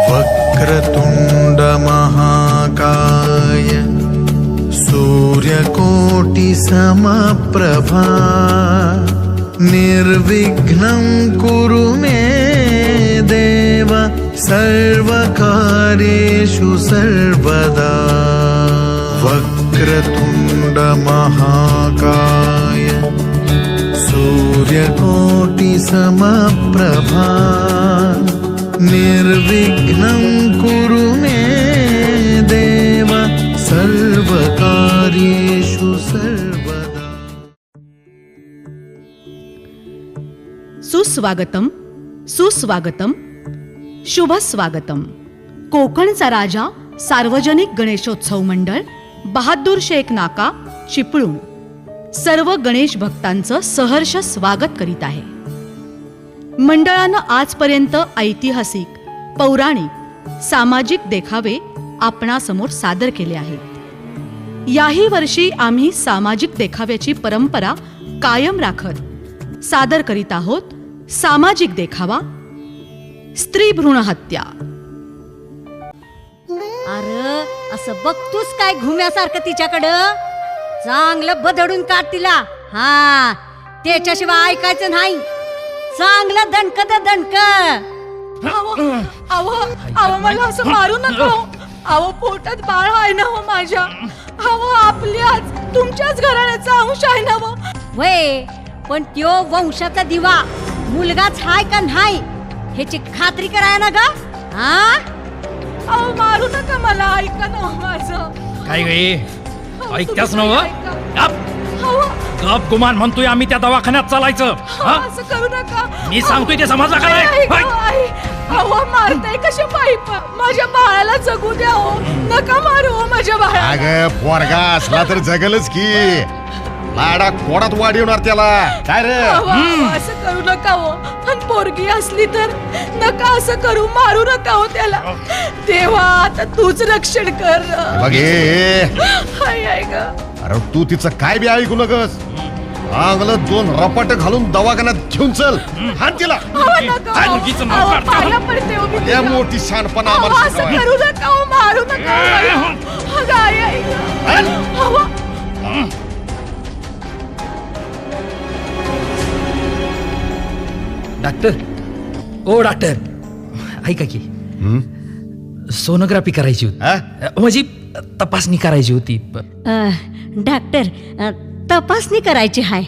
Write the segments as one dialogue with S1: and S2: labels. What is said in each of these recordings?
S1: वक्रतुंड महाकाय सूर्यकोटि समप्रभा निर्विघ्नं कुरु मे देव सर्वकार्येषु सर्वदा। वक्रतुंड महाकाय सूर्यकोटि समप्रभा निर्विघ्नं कुरु मे देव सर्वकार्येषु सर्वदा।
S2: सुस्वागतम सुस्वागतम शुभ स्वागतम। कोकणचा राजा सार्वजनिक गणेशोत्सव मंडळ बहादूर शेख नाका चिपळूण सर्व गणेश भक्तांचं सहर्ष स्वागत करीत आहे। मंडळानं आजपर्यंत ऐतिहासिक, पौराणिक, सामाजिक देखावे आपणासमोर सादर केले आहेत। याही वर्षी आम्ही सामाजिक देखाव्याची परंपरा कायम राखत सादर करीत आहोत सामाजिक देखावा स्त्री भ्रूण हत्या।
S3: अरे असं बघतोस काय घुम्यासारखं तिच्याकडं? चांगलं बदडून काढ तिला। हा, त्याच्याशिवाय ऐकायचं नाही। चांगलं दणक दे दणक।
S2: अहो मला असं मारू नका। अहो पोटात बाळ आहे ना हो माझ्या। अहो आपल्याच तुमच्याच घराण्याचा अंश आहे ना हो।
S3: वय पण त्यो वंशाचा दिवा मुलगाच हाय का नाही ह्याची खात्री कराय ना ग। हा,
S2: अहो मारू नका मला, ऐका ना माझं।
S4: काय गे ऐकत्यास नव? गप गुमान म्हणतोय आम्ही त्या दवाखान्यात चालायचं।
S2: असं करू नका।
S4: मी सांगतोय ते समजलं का नाही?
S2: अहो मारताय कशा पाईप? माझ्या बाळाला जगू द्या हो, नका मारू हो माझ्या बाळाला।
S5: अगं पोरगा असला तर जगलच की, लाडा कोडात वाढवणार त्याला काय रे?
S2: असं करू नका हो। आणि पोरगी असली तर नका असं करू, मारू नका हो त्याला। देवा आता तूच रक्षण कर।
S5: बघ हे
S2: हाय हाय ग।
S5: अरे तू तिचं काय बी ऐकू नकस। चांगलं 2 रपाट घालून दवाखान्यात घेऊन चल। हात तिला
S2: पाया पडते हो मी
S5: या
S2: तुझ्या।
S5: मोठी शानपणा
S2: अहो,
S5: आम्हाला
S2: असं
S5: शिकवाय.
S2: करू नका हो, मारू नका हो. अगं, आई, आई ग. अहो,
S4: डॉक्टर, ओ डॉक्टर, ऐका की सोनोग्राफी करायची होती।
S5: हा?
S4: म्हणजे तपासणी करायची होती।
S3: डॉक्टर, तपासणी करायची हाय।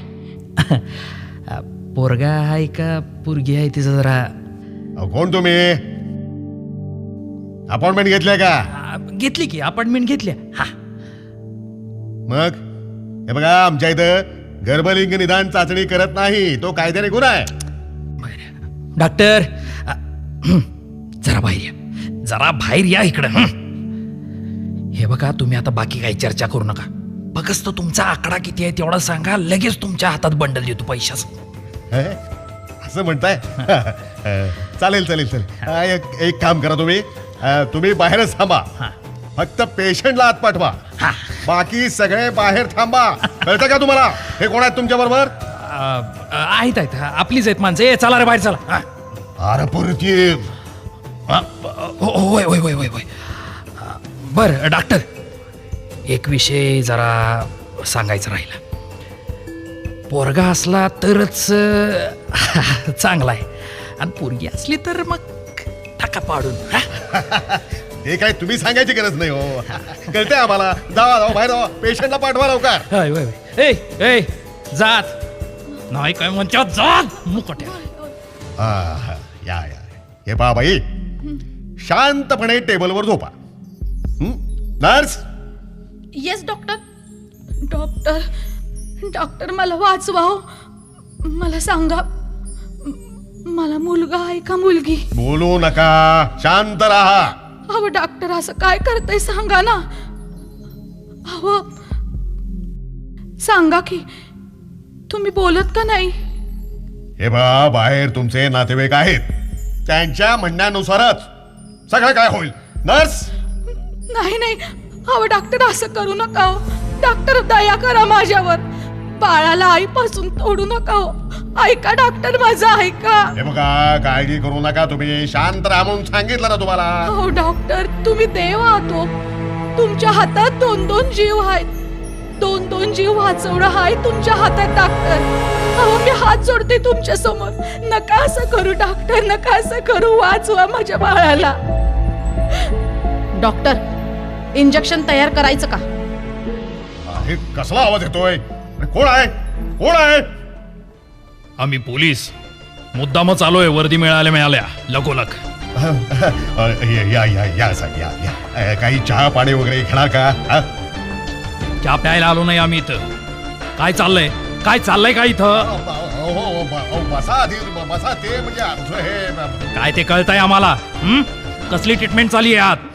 S4: पोरगा आहे का पोरगी आहे तिचं जरा
S5: कोण तुम्ही? अपॉइंटमेंट घेतल्या का?
S4: घेतली की अपॉइंटमेंट घेतल्या। हा,
S5: मग हे बघा आमच्या इथं गर्भलिंग निदान चाचणी करत नाही, तो कायद्याने गुन्हा आहे।
S4: डॉक्टर जरा बाहेर या, जरा बाहेर या इकडं। हे बघा तुम्ही आता बाकी काही चर्चा करू नका। फक्त तुमचा आकडा किती आहे तेवढा सांगा, लगेच तुमच्या हातात बंडल देतो पैशाचं।
S5: हे? असं म्हणताय? चालेल चालेल चालेल। एक काम करा तुम्ही बाहेरच थांबा। फक्त पेशंटला आत पाठवा, बाकी सगळे बाहेर थांबा। कळतं का तुम्हाला? हे कोण आहेत तुमच्या बरोबर?
S4: आहेत आहेत, आपलीच आहेत माणसं। ए, चला रे बाहेर चला।
S5: अरे परत ये.
S4: होय होय होय होय होय। बर डॉक्टर, एक विषय जरा सांगायचा राहिला। पोरगा असला तरच चांगला आहे, आणि पोरगी असली तर मग टाका पाडून।
S5: हे काय तुम्ही सांगायची गरज नाही हो, कळतंय आम्हाला। जावा बाहेर जावा, पेशंटला पाठवा लवकर।
S4: होय होय होय। ए जात नाही काय म्हणतात, जात मुकट्या।
S5: या हे पहा बाई, शांतपणे टेबलवर झोपा। Nurse,
S2: yes doctor. Doctor doctor मला वाचवा हो। मला सांगा, मला मुलगा आहे का मुलगी?
S5: बोलू नका, शांत राहा।
S2: अहो डॉक्टर असं काय करताय सांगा ना। अहो सांगा की, तुम्ही बोलत का नाही?
S5: हे बा, बाहेर तुमचे नातेवाईक आहेत, त्यांच्या म्हणण्यानुसारच सगळं काय होईल। नर्स,
S2: नाही नाही, अहो डॉक्टर असं करू नका हो। डॉक्टर दया करा माझ्यावर। बाळाला आईपासून तोडू नका हो. ऐका डॉक्टर, माझं ऐका.
S5: हे बघा, काळजी करू नका तुम्ही, शांत राहा म्हणून सांगितलं ना तुम्हाला.
S2: हो डॉक्टर, तुम्ही देव आहात हो. तुमच्या हातात 2-2 जीव आहेत. 2-2 जीव वाचवणं हाय तुमच्या हातात डॉक्टर. अहो मी हात जोडते तुमच्या समोर. नका असं करू डॉक्टर, नका असं करू. वाचवा माझ्या बाळाला. डॉक्टर, इंजेक्शन तयार करायचं का?
S5: हे कसला आवाज येतोय? कोण आहे? कोण आहे?
S4: आम्ही पोलीस मुद्दामच आलोय वर्दी मिळाल्या लगोलग.
S5: या या या साहेब, या या. काही चहा पाणी वगैरे घेणार का?
S4: चहा प्यायला आलो नाही आम्ही इथं. काय चाललंय का इथं?
S5: बसा आधी, बसा. ते म्हणजे आमचं हे
S4: काय ते कळतंय आम्हाला. कसली ट्रीटमेंट चालली आहे आत?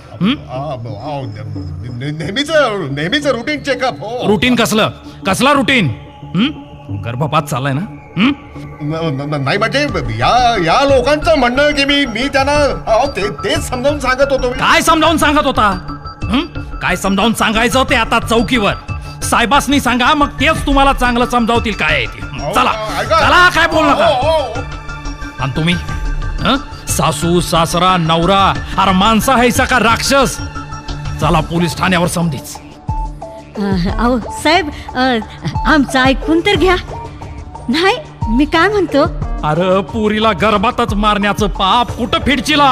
S5: नेहमीच रुटीन चेकअप.
S4: रुटीन कसला रुटीन? गर्भपात चाललाय ना?
S5: नाही म्हणजे या लोकांचं म्हणणं की मी त्यांना तेच समजावून सांगत होतो.
S4: काय समजावून सांगत होता? काय समजावून सांगायचं ते आता चौकीवर साहेबासनी सांगा, मग तेच तुम्हाला चांगलं समजावतील काय आहे ते. चला काय बोल नका. आणि तुम्ही सासू सासरा नवरा अरे माणसा हैसा का राक्षस? चला पोलीस ठाण्यावर समधीच.
S3: अहो साहेब, आमचं ऐकून तर घ्या. नाही, मी काय म्हणतो,
S4: अरे पुरीला गर्भातच मारण्याचं पाप कुठं फिडचिला?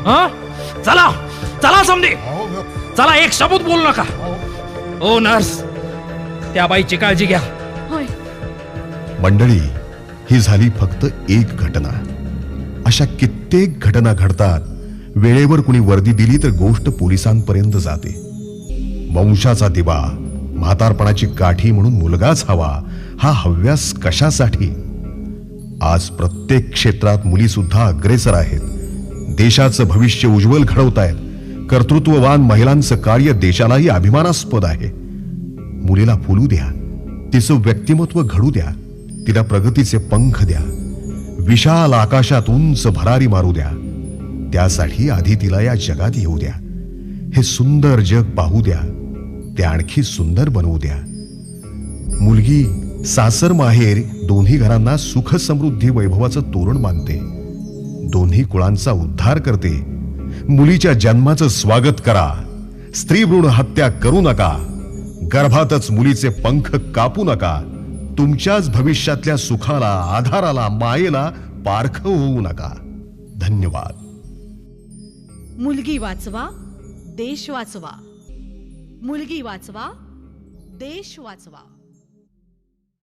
S4: चला समधी. चला, एक शब्द बोलू नका. ओ नर्स, त्या बाईची काळजी घ्या.
S2: होय.
S5: मंडळी, ही झाली फक्त एक घटना. अशा कित्येक घटना घडतात. वेळेवर कुणी वर्दी दिली तर गोष्ट पोलिसांपर्यंत जाते. वंशाचा दिवा, म्हातारपणाची काठी म्हणून मुलगाच हवा, हा हव्यास कशासाठी? आज प्रत्येक क्षेत्रात मुली सुद्धा अग्रेसर आहेत. देशाचं भविष्य उज्ज्वल घडवतायत. कर्तृत्ववान महिलांचं कार्य देशालाही अभिमानास्पद आहे. मुलीला फुलू द्या, तिचं व्यक्तिमत्व घडू द्या, तिला प्रगतीचे पंख द्या, विशाल आकाशात उंच भरारी मारू द्या. त्यासाठी आधी तिला या जगात येऊ द्या. हे सुंदर जग पाहू द्या, ते आणखी सुंदर बनवू द्या. मुलगी सासर माहेर दोन्ही घरांना सुख समृद्धी वैभवाचं तोरण बांधते. दोन्ही कुळांचा उद्धार करते. मुलीच्या जन्माचं स्वागत करा. स्त्री भ्रूण हत्या करू नका. गर्भातच मुलीचे पंख कापू नका. तुमच्याच भविष्यातल्या सुखाला, आधाराला, मायेला पारखं होऊ नका. धन्यवाद.
S2: मुलगी वाचवा, देश वाचवा. मुलगी वाचवा, देश वाचवा.